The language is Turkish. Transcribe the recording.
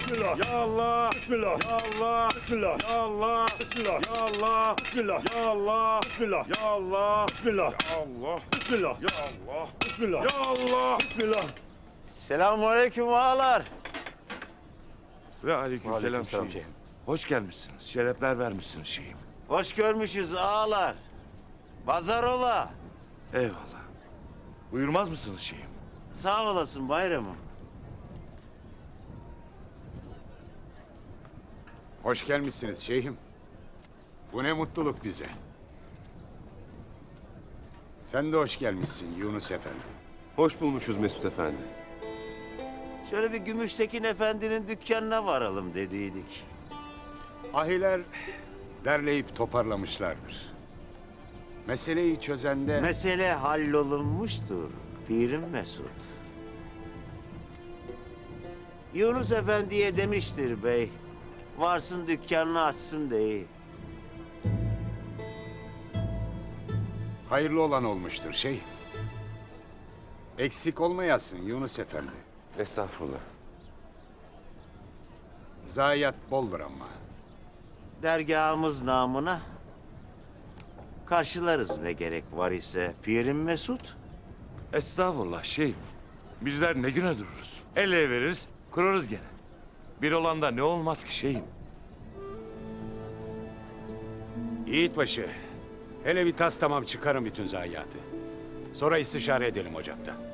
Bismillah. Ya Allah. Bismillah. Ya Allah. Bismillah. Ya Allah. Bismillah. Ya Allah. Bismillah. Ya Allah. Bismillah. Ya Allah. Bismillah. Ya Allah. Bismillah. Ya Allah. Bismillah. Ya Allah. Bismillah. Selamünaleyküm ağalar. Ve aleykümselam Aleykümselam şeyhim. şeyhim. Hoş gelmişsiniz. Şerefler vermişsiniz şeyhim. Hoş görmüşüz ağalar. Pazar ola. Eyvallah. Buyurmaz mısınız şeyhim? Sağ olasın bayramım. Hoş gelmişsiniz şeyhim. Bu ne mutluluk bize. Sen de hoş gelmişsin Yunus Efendi. Hoş bulmuşuz Mesut Efendi. Şöyle bir Gümüştekin Efendi'nin dükkanına varalım dediydik. Ahiler derleyip toparlamışlardır. Meseleyi çözende Mesele hallolunmuştur Pirim Mesut. Yunus Efendi'ye demiştir bey. Varsın dükkanını açsın deyi. hayırlı olan olmuştur şey. Eksik olmayasın Yunus Efendi. Estağfurullah. Zayiat boldur ama. Dergahımız namına karşılarız ne gerek var ise Pirim Mesut. Estağfurullah şeyhim. Bizler ne güne dururuz. El ele veririz, kurarız gene. Bir olanda ne olmaz ki şeyhim. Yiğitbaşı, hele bir tas tamam çıkarın bütün zayiatı. Sonra istişare edelim ocakta.